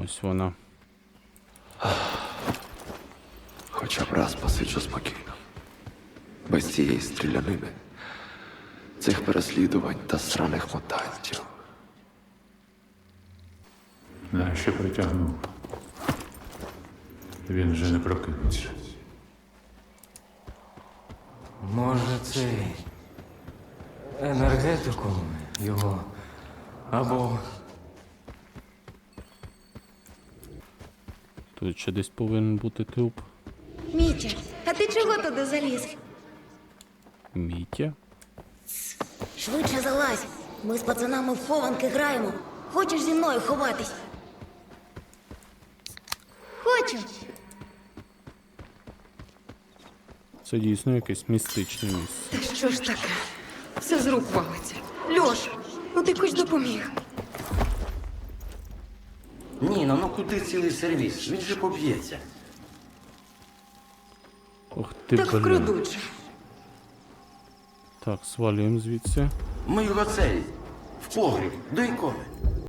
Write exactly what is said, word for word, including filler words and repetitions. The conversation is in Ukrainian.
Ось вона. Хоча б раз посиджу спокійно. Без цієї стрілянини, цих переслідувань та сраних мутантів. Нащо притягнув? Він вже не прокинеться. Може, цей енергетикум його або Тут ще десь повинен бути труп. Мітя, а ти чого туди заліз? Мітя? Швидше залазь. Ми з пацанами в хованки граємо. Хочеш зі мною ховатись? Хочу. Це дійсно якесь містичне місце. Та що ж таке? Все з рук валиться. Льош, ну ти хоч допоміг. Ніно, ну куди цілий сервіс? Він же поб'ється. Ох ти, Так блін. вкрадуть же. Так, свалюємо звідси. Ми його цей, в погріб, до ікони.